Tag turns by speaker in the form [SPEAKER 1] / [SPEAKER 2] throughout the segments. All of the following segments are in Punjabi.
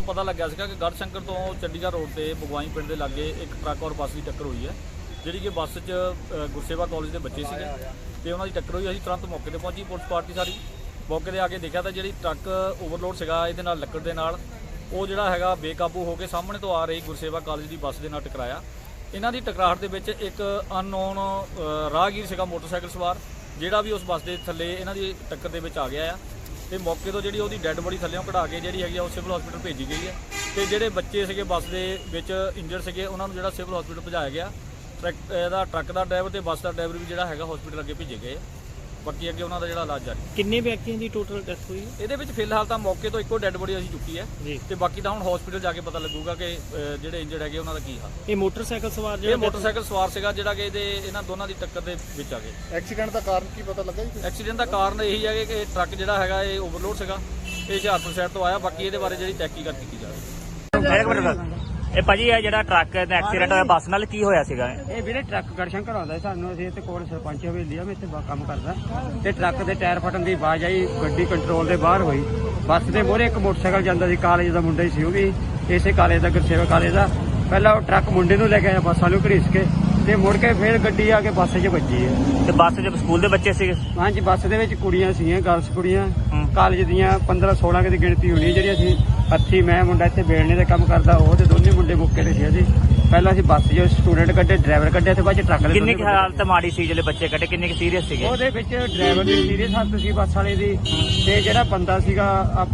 [SPEAKER 1] ਪਤਾ ਲੱਗਿਆ ਸੀਗਾ ਕਿ ਗੜਸ਼ੰਕਰ ਤੋਂ ਚੰਡੀਗੜ੍ਹ ਰੋਡ ਤੇ ਬਗਵਾਈ ਪਿੰਡ ਦੇ ਲਾਗੇ ਇੱਕ ਟਰੱਕ ਔਰ ਬੱਸ ਦੀ ਟੱਕਰ ਹੋਈ ਹੈ, ਜਿਹੜੀ ਕਿ ਬੱਸ 'ਚ ਗੁਰਸੇਵਾ ਕਾਲਜ ਦੇ ਬੱਚੇ ਸੀਗੇ ਤੇ ਉਹਨਾਂ ਦੀ ਟੱਕਰ ਹੋਈ। ਅਸੀਂ ਤੁਰੰਤ ਮੌਕੇ ਤੇ ਪਹੁੰਚੀ ਪੁਲਿਸ ਪਾਰਟੀ ਸਾਰੀ। ਮੌਕੇ ਤੇ ਆ ਕੇ ਦੇਖਿਆ ਤਾਂ ਜਿਹੜੀ ਟਰੱਕ ਓਵਰਲੋਡ ਸੀਗਾ ਇਹਦੇ ਨਾਲ ਲੱਕੜ ਦੇ ਨਾਲ, ਉਹ ਜਿਹੜਾ ਹੈਗਾ ਬੇਕਾਬੂ ਹੋ ਕੇ ਸਾਹਮਣੇ ਤੋਂ ਆ ਰਹੀ ਗੁਰਸੇਵਾ ਕਾਲਜ ਦੀ ਬੱਸ ਦੇ ਨਾਲ ਟਕਰਾਇਆ। ਇਹਨਾਂ ਦੀ ਟਕਰਾਹਟ ਦੇ ਵਿੱਚ ਇੱਕ ਅਨਨੋਨ ਰਾਹਗੀਰ ਸੀਗਾ ਮੋਟਰਸਾਈਕਲ ਸਵਾਰ, ਜਿਹੜਾ ਵੀ ਉਸ ਬੱਸ ਦੇ ਥੱਲੇ ਇਹਨਾਂ ਦੀ ਟੱਕਰ ਦੇ ਵਿੱਚ ਆ ਗਿਆ ਆ ਤੇ ਮੌਕੇ ਤੋਂ ਜਿਹੜੀ ਉਹਦੀ ਡੈੱਡ ਬੋਡੀ ਥੱਲੇੋਂ ਕਢਾ ਕੇ ਜਿਹੜੀ ਹੈਗੀ ਆ ਉਹ ਸਿਵਲ ਹਸਪੀਟਲ ਭੇਜੀ ਗਈ ਹੈ ਤੇ ਜਿਹੜੇ ਬੱਚੇ ਸੀਗੇ ਬੱਸ ਦੇ ਵਿੱਚ ਇੰਜਰਡ ਸੀਗੇ ਉਹਨਾਂ ਨੂੰ ਜਿਹੜਾ ਸਿਵਲ ਹਸਪੀਟਲ ਭਜਾਇਆ ਗਿਆ। ਟਰੱਕ ਦਾ ਡਰਾਈਵਰ ਤੇ ਬੱਸ ਦਾ ਡਰਾਈਵਰ ਵੀ ਜਿਹੜਾ ਹੈਗਾ ਹਸਪੀਟਲ ਅੱਗੇ ਭੇਜੇ ਗਏ। ਬਾਕੀ ਅੱਗੇ ਉਹਨਾਂ ਦਾ ਜਿਹੜਾ ਇਲਾਜ ਜਾਰੀ।
[SPEAKER 2] ਕਿੰਨੇ ਵਿਅਕਤੀਆਂ ਦੀ ਟੋਟਲ ਡੈਥ ਹੋਈ ਹੈ?
[SPEAKER 1] ਇਹਦੇ ਵਿੱਚ ਫਿਲਹਾਲ ਤਾਂ ਮੌਕੇ ਤੋਂ ਇੱਕੋ ਡੈੱਡ ਬੋਡੀ ਅਸੀਂ ਚੁੱਕੀ ਹੈ ਤੇ ਬਾਕੀ ਤਾਂ ਹੁਣ ਹਸਪੀਟਲ ਜਾ ਕੇ ਪਤਾ ਲੱਗੂਗਾ ਕਿ ਜਿਹੜੇ ਇੰਜਰਡ ਹੈਗੇ ਉਹਨਾਂ ਦਾ ਕੀ ਹਾਲ।
[SPEAKER 2] ਇਹ ਮੋਟਰਸਾਈਕਲ ਸਵਾਰ
[SPEAKER 1] ਇਹ ਮੋਟਰਸਾਈਕਲ ਸਵਾਰ ਸੀਗਾ ਜਿਹੜਾ ਕਿ ਇਹਨਾਂ ਦੋਨਾਂ ਦੀ ਟੱਕਰ ਦੇ ਵਿੱਚ ਆ ਗਏ।
[SPEAKER 3] ਐਕਸੀਡੈਂਟ ਦਾ ਕਾਰਨ ਕੀ ਪਤਾ ਲੱਗਾ ਜੀ?
[SPEAKER 1] ਐਕਸੀਡੈਂਟ ਦਾ ਕਾਰਨ ਇਹੀ ਹੈ ਕਿ ਟਰੱਕ ਜਿਹੜਾ ਹੈਗਾ ਇਹ ਓਵਰਲੋਡ ਸੀਗਾ, ਇਹ ਹੁਸ਼ਿਆਰਪੁਰ ਸਾਈਡ ਤੋਂ ਆਇਆ। ਬਾਕੀ ਇਹਦੇ ਬਾਰੇ ਜਿਹੜੀ ਤਹਿਕੀਕਾਤ ਕੀਤੀ ਜਾ ਰਹੀ ਹੈ।
[SPEAKER 2] ਇਹ ਭਾਜੀ ਇਹ ਜਿਹੜਾ ਟਰੱਕ ਦਾ ਐਕਸੀਡੈਂਟ ਹੋਇਆ ਬੱਸ ਨਾਲ ਕੀ ਹੋਇਆ ਸੀਗਾ?
[SPEAKER 4] ਇਹ ਵੀਰੇ ਟਰੱਕ ਗੜਸ਼ੰਕਰ ਆਉਂਦਾ ਸਾਨੂੰ, ਅਸੀਂ ਇੱਥੇ ਕੋਲ ਸਰਪੰਚ ਹਵੇਲੀ ਆ, ਮੈਂ ਇੱਥੇ ਕੰਮ ਕਰਦਾ ਤੇ ਟਰੱਕ ਦੇ ਟਾਇਰ ਫਟਣ ਦੀ ਆਵਾਜ਼ ਆਈ, ਗੱਡੀ ਕੰਟਰੋਲ ਦੇ ਬਾਹਰ ਹੋਈ। ਬੱਸ ਦੇ ਮੋਹਰੇ ਇੱਕ ਮੋਟਰਸਾਈਕਲ ਜਾਂਦਾ ਸੀ, ਕਾਲਜ ਦਾ ਮੁੰਡਾ ਹੀ ਸੀ, ਉਹ ਵੀ ਇਸੇ ਕਾਲਜ ਦਾ ਗੁਰਸੇਵਾ ਕਾਲਜ ਦਾ। ਪਹਿਲਾਂ ਉਹ ਟਰੱਕ ਮੁੰਡੇ ਨੂੰ ਲੈ ਕੇ ਆਇਆ ਬੱਸ ਵਾਲੇ ਘੜੀਸ ਕੇ ਤੇ ਮੁੜ ਕੇ ਫਿਰ ਗੱਡੀ ਆ ਕੇ ਬੱਸ 'ਚ ਵੱਜੀ ਹੈ।
[SPEAKER 2] ਤੇ ਬੱਸ 'ਚ ਸਕੂਲ ਦੇ ਬੱਚੇ ਸੀਗੇ?
[SPEAKER 4] ਹਾਂਜੀ, ਬੱਸ ਦੇ ਵਿੱਚ ਕੁੜੀਆਂ ਸੀਗੀਆਂ, ਗਰਲਸ ਕੁੜੀਆਂ ਕਾਲਜ ਦੀਆਂ 15-16 ਦੀ ਗਿਣਤੀ ਹੋਣੀ, ਜਿਹੜੀ ਅਸੀਂ ਹੱਥੀ ਮੈਂ ਮੁੰਡਾ ਇੱਥੇ ਬੇਲਣੇ ਦਾ ਕੰਮ ਕਰਦਾ, ਉਹ ਤੇ ਦੋਨੇ ਮੁੰਡੇ ਮੁੱਕੇ ਤੇ ਸੀ। ਅਸੀਂ ਪਹਿਲਾਂ ਅਸੀਂ ਬੱਸ 'ਚ ਸਟੂਡੈਂਟ ਕੱਢੇ, ਡਰਾਈਵਰ ਕੱਢਿਆ ਤੇ ਬਾਅਦ 'ਚ ਟਰੱਕ ਦੇ।
[SPEAKER 2] ਕਿੰਨੀ ਕੁ ਹਾਲਤ ਮਾੜੀ ਸੀ ਜਿਹੜੇ ਬੱਚੇ ਕੱਢੇ, ਕਿੰਨੇ ਕੁ ਸੀਰੀਅਸ ਸੀਗੇ?
[SPEAKER 4] ਉਹਦੇ ਵਿੱਚ ਡਰਾਈਵਰ ਦੀ ਸੀਰੀਅਸ ਹਾਲਤ ਸੀ ਬੱਸ ਵਾਲੇ ਦੀ, ਤੇ ਜਿਹੜਾ ਬੰਦਾ ਸੀਗਾ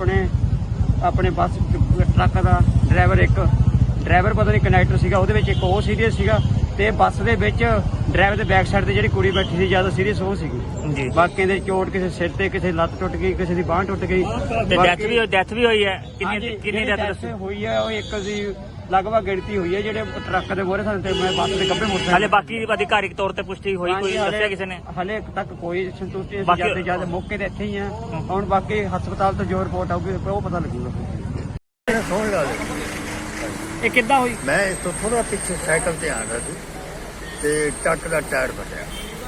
[SPEAKER 4] ਆਪਣੇ ਬੱਸ ਟਰੱਕ ਦਾ ਡਰਾਈਵਰ ਪਤਾ ਨਹੀਂ ਕੰਡਕਟਰ ਸੀਗਾ, ਉਹਦੇ ਵਿੱਚ ਇੱਕ ਉਹ ਸੀਰੀਅਸ ਸੀਗਾ ਤੇ ਬੱਸ ਦੇ ਵਿੱਚ ਡਰਾਈਵਰ ਦੇ ਬੈਕ ਸਾਈਡ ਤੇ ਜਿਹੜੀ ਕੁੜੀ ਬੈਠੀ ਸੀ ਜ਼ਿਆਦਾ ਸੀਰੀਅਸ ਉਹ ਸੀਗੀ
[SPEAKER 2] ਜੀ।
[SPEAKER 4] ਬਾਕੀ ਦੇ ਚੋਟ ਕਿਸੇ ਸਿਰ ਤੇ, ਕਿਸੇ ਲੱਤ ਟੁੱਟ ਗਈ, ਕਿਸੇ ਦੀ ਬਾਂਹ ਟੁੱਟ ਗਈ
[SPEAKER 2] ਤੇ ਡੈਥ ਵੀ ਹੋਈ ਹੈ? ਕਿੰਨੀ ਡੈਥ
[SPEAKER 4] ਹੋਈ ਹੈ? ਉਹ ਇੱਕ ਦੀ ਲਗਭਗ ਗਿਣਤੀ ਹੋਈ ਹੈ। ਜਿਹੜੇ ਟਰੱਕ ਦੇ ਮੋਹਰੇ ਸਨ ਤੇ ਮੈਂ ਬੱਸ ਦੇ ਗੱਭੇ ਮੋਟਰ
[SPEAKER 2] ਹਾਲੇ ਬਾਕੀ ਅਧਿਕਾਰਿਕ ਤੌਰ ਤੇ ਪੁਸ਼ਟੀ ਹੋਈ, ਕੋਈ ਦੱਸਿਆ ਕਿਸੇ ਨੇ?
[SPEAKER 4] ਹਲੇ ਤੱਕ ਕੋਈ ਸੰਤੁਸ਼ਟੀ ਨਹੀਂ, ਜਿਆਦਾ ਮੌਕੇ ਤੇ ਇੱਥੇ ਹੀ ਆ। ਹੁਣ ਬਾਕੀ ਹਸਪਤਾਲ ਤੋਂ ਜੋ ਰਿਪੋਰਟ ਆਊਗੀ ਉਹ ਪਤਾ ਲੱਗੂਗਾ।
[SPEAKER 3] ਸੁਣ ਲਾ
[SPEAKER 2] ਇਹ ਕਿੱਦਾਂ ਹੋਈ?
[SPEAKER 3] ਮੈਂ ਇਸ ਤੋਂ ਥੋੜਾ ਪਿੱਛੇ ਸਾਈਕਲ ਤੇ ਆ ਰਿਹਾ ਸੀ ਤੇ ਟਰੱਕ ਦਾ ਟਾਇਰ ਫਟਿਆ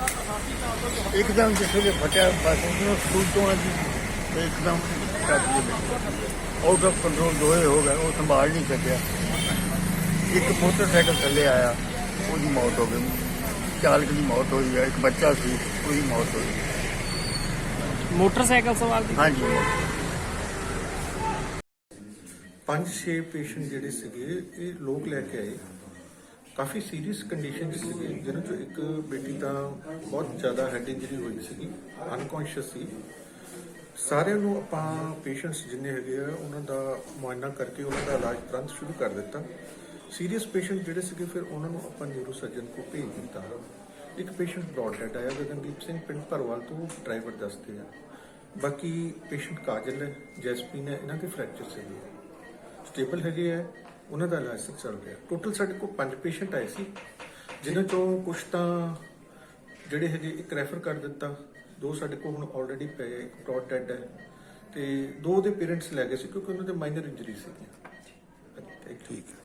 [SPEAKER 3] ਇੱਕਦਮ। ਜਿਸ ਵੇਲੇ ਫਟਿਆ ਬੱਸ ਨੂੰ ਸਕੂਲ ਤੋਂ ਆਈ ਤੇ ਇੱਕਦਮ ਟਰੱਕ ਆਊਟ ਆਫ ਕੰਟਰੋਲ ਦੋਏ ਹੋ ਗਏ, ਉਹ ਸੰਭਾਲ ਨਹੀਂ ਸਕਿਆ। ਇੱਕ ਮੋਟਰਸਾਈਕਲ ਥੱਲੇ ਆਇਆ, ਉਹਦੀ ਮੌਤ ਹੋ ਗਈ, ਚਾਲਕ ਦੀ ਮੌਤ ਹੋਈ ਹੈ। ਇੱਕ ਬੱਚਾ ਸੀ, ਉਹਦੀ ਮੌਤ ਹੋਈ।
[SPEAKER 2] ਮੋਟਰਸਾਈਕਲ ਸਵਾਰ ਦੀ?
[SPEAKER 3] ਹਾਂਜੀ।
[SPEAKER 5] 5-6 ਪੇਸ਼ੈਂਟ ਜਿਹੜੇ ਸੀਗੇ ਇਹ ਲੋਕ ਲੈ ਕੇ ਆਏ, ਕਾਫੀ ਸੀਰੀਅਸ ਕੰਡੀਸ਼ਨ 'ਚ ਸੀਗੇ, ਜਿਹਨਾਂ 'ਚੋਂ ਇੱਕ ਬੇਟੀ ਤਾਂ ਬਹੁਤ ਜ਼ਿਆਦਾ ਹੈਡ ਇੰਜਰੀ ਹੋਈ ਸੀਗੀ, ਅਨਕੌਂਸ਼ੀਅਸ ਸੀ। ਸਾਰਿਆਂ ਨੂੰ ਆਪਾਂ ਪੇਸ਼ੈਂਟਸ ਜਿੰਨੇ ਹੈਗੇ ਆ ਉਹਨਾਂ ਦਾ ਮੁਆਇਨਾ ਕਰਕੇ ਉਹਨਾਂ ਦਾ ਇਲਾਜ ਤੁਰੰਤ ਸ਼ੁਰੂ ਕਰ ਦਿੱਤਾ। ਸੀਰੀਅਸ ਪੇਸ਼ੈਂਟ ਜਿਹੜੇ ਸੀਗੇ ਫਿਰ ਉਹਨਾਂ ਨੂੰ ਆਪਾਂ ਨਿਊਰੋ ਸਰਜਨ ਕੋਲ ਭੇਜ ਦਿੱਤਾ। ਇੱਕ ਪੇਸ਼ੈਂਟ ਬ੍ਰੌਡ ਡੈਡ ਆਇਆ, ਗਗਨਦੀਪ ਸਿੰਘ ਪਿੰਡ ਭਰਵਾਲ ਤੋਂ, ਡਰਾਈਵਰ ਦੱਸਦੇ ਆ। ਬਾਕੀ ਪੇਸ਼ੈਂਟ ਕਾਜਲ ਹੈ, ਜੈਸਪੀਨ ਹੈ, ਇਹਨਾਂ ਦੇ ਫ੍ਰੈਕਚਰ ਸੀਗੇ, ਸਟੇਬਲ ਹੈਗੇ ਆ, ਉਹਨਾਂ ਦਾ ਇਲਾਜ ਚੱਲ ਰਿਹਾ। ਟੋਟਲ ਸਾਡੇ ਕੋਲ 5 ਪੇਸ਼ੈਂਟ ਆਏ ਸੀ, ਜਿਨ੍ਹਾਂ ਚੋਂ ਕੁਝ ਤਾਂ ਜਿਹੜੇ ਹੈਗੇ ਇੱਕ ਰੈਫਰ ਕਰ ਦਿੱਤਾ, 2 ਸਾਡੇ ਕੋਲ ਹੁਣ ਆਲਰੇਡੀ ਪਏ, ਇੱਕ ਬ੍ਰੌਡ ਡੈਡ ਹੈ ਤੇ 2 ਦੇ ਪੇਰੈਂਟਸ ਲੈ ਗਏ ਸੀ ਕਿਉਂਕਿ ਉਹਨਾਂ ਦੇ ਮਾਈਨਰ ਇੰਜਰੀ ਸੀਗੀਆਂ। ਠੀਕ ਹੈ।